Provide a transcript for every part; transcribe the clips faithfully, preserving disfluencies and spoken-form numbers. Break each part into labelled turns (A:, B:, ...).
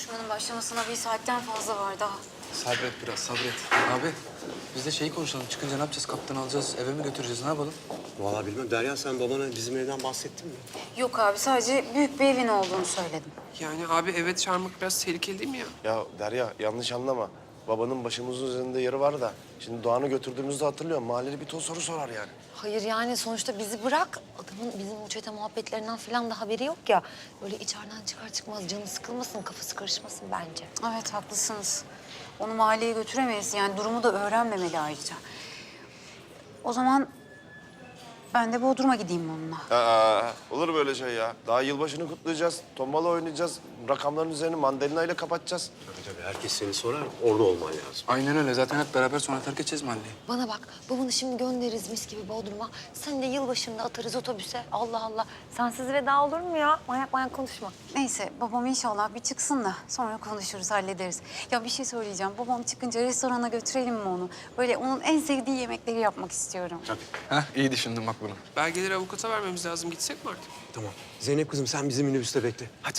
A: Buluşmanın başlamasına bir saatten fazla var daha.
B: Sabret biraz, sabret. Abi, biz de şeyi konuşalım. Çıkınca ne yapacağız? Kaptanı alacağız, eve mi götüreceğiz? Ne yapalım?
C: Vallahi bilmem. Derya sen babana bizim evden bahsettin mi?
A: Yok abi, sadece büyük bir evin olduğunu söyledim.
D: Yani abi eve çağırmak biraz tehlikeli değil mi ya?
E: Ya Derya yanlış anlama. Babanın başımızın üzerinde yeri var da. Şimdi Doğan'ı götürdüğümüzde hatırlıyorum. Mahalleli bir ton soru sorar yani.
F: Hayır yani sonuçta bizi bırak. Adamın bizim bu çete muhabbetlerinden falan da haberi yok ya. Böyle içeriden çıkar çıkmaz canı sıkılmasın, kafası karışmasın bence.
A: Evet, haklısınız. Onu mahalleye götüremeyiz. Yani durumu da öğrenmemeli ayrıca. O zaman ben de Bodrum'a gideyim onunla.
E: Aa, olur böyle şey ya. Daha yılbaşını kutlayacağız. Tombala oynayacağız. Rakamların üzerini mandalina ile kapatacağız.
C: Tabii tabii. Herkes seni sorar. Orada olman lazım.
B: Aynen öyle. Zaten hep beraber sonra terk edeceğiz mahalleyi.
F: Bana bak, babanı şimdi göndeririz mis gibi Bodrum'a. Sen de yılbaşında atarız otobüse. Allah Allah. Sensiz veda olur mu ya? Manyak manyak konuşma.
A: Neyse, babam inşallah bir çıksın da sonra konuşuruz, hallederiz. Ya bir şey söyleyeceğim. Babam çıkınca restorana götürelim mi onu? Böyle onun en sevdiği yemekleri yapmak istiyorum.
B: Heh, iyi düşündün bak bunu.
D: Belgeleri avukata vermemiz lazım. Gitsek mi artık?
C: Tamam. Zeynep kızım sen bizim minibüste bekle. Hadi.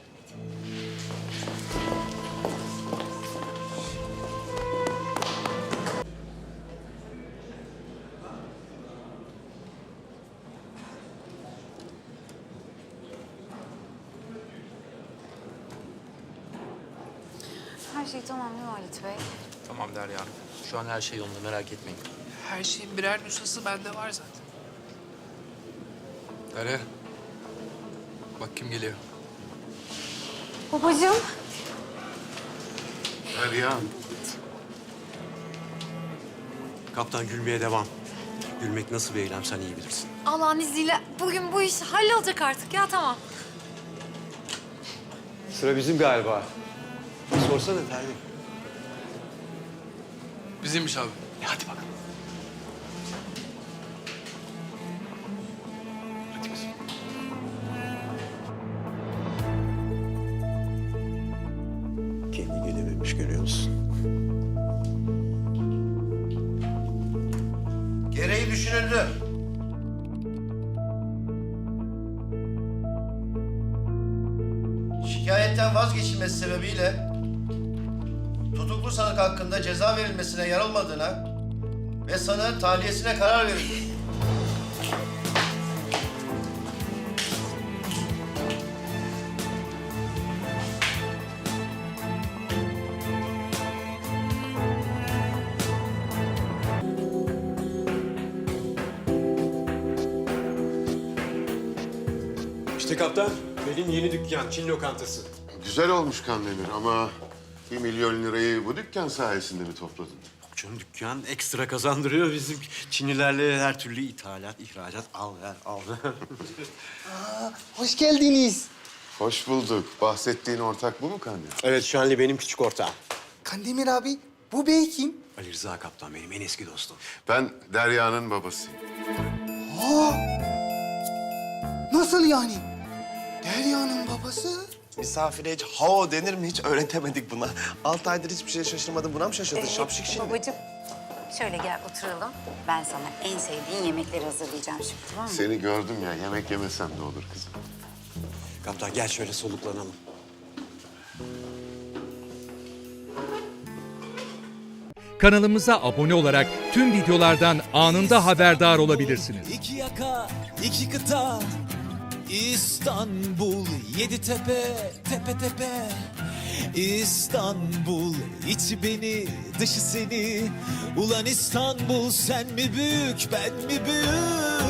A: Her şey tamam değil mi Halit Bey?
G: Tamam Derya Hanım. Şu an her şey yolunda, merak etmeyin.
D: Her şeyin birer nüshası bende var zaten.
B: Derya. Bak kim geliyor.
A: Babacığım.
C: Derya. Kaptan gülmeye devam. Gülmek nasıl bir eylem sen iyi bilirsin.
F: Allah'ın izniyle bugün bu iş hallolacak artık ya, tamam.
C: Sıra bizim galiba. Sorsana Terlik.
B: Bizimmiş abi.
C: E hadi bakalım. Hadi kızım. Kendi gelememiş görüyor musun?
H: Gereği düşünüldü. Şikayetten vazgeçilmesi sebebiyle tutuklu sanık hakkında ceza verilmesine yer olmadığına ve sanığın tahliyesine karar verildi.
C: İşte kaptan, benim yeni dükkan, Çin lokantası.
I: Güzel olmuş Kandemir ama bir milyon lirayı bu dükkan sayesinde mi topladın?
C: Canım dükkan ekstra kazandırıyor bizim Çinlilerle her türlü ithalat, ihracat, al ver, al ver.
J: Hoş geldiniz.
I: Hoş bulduk. Bahsettiğin ortak bu mu Kandemir?
C: Evet, Şanlı benim küçük ortağım.
J: Kandemir abi, bu bey kim?
C: Ali Rıza kaptan benim en eski dostum.
I: Ben Derya'nın babasıyım.
J: Aa! Nasıl yani? Derya'nın babası?
E: Misafire hiç hao denir mi hiç öğretemedik buna. Altı aydır hiçbir şeye şaşırmadın. Buna mı şaşırdın? Şapşik şimdi.
A: Babacığım, şöyle gel oturalım. Ben sana en sevdiğin yemekleri hazırlayacağım şimdi, tamam mı?
I: Seni gördüm ya, yemek yemesem de olur kızım.
C: Kaptan gel şöyle soluklanalım.
K: Kanalımıza abone olarak tüm videolardan anında haberdar olabilirsiniz.
L: İki yaka, iki kıta, İstanbul, yedi tepe, tepe tepe. İstanbul, içi beni, dışı seni. Ulan İstanbul, sen mi büyük, ben mi büyük?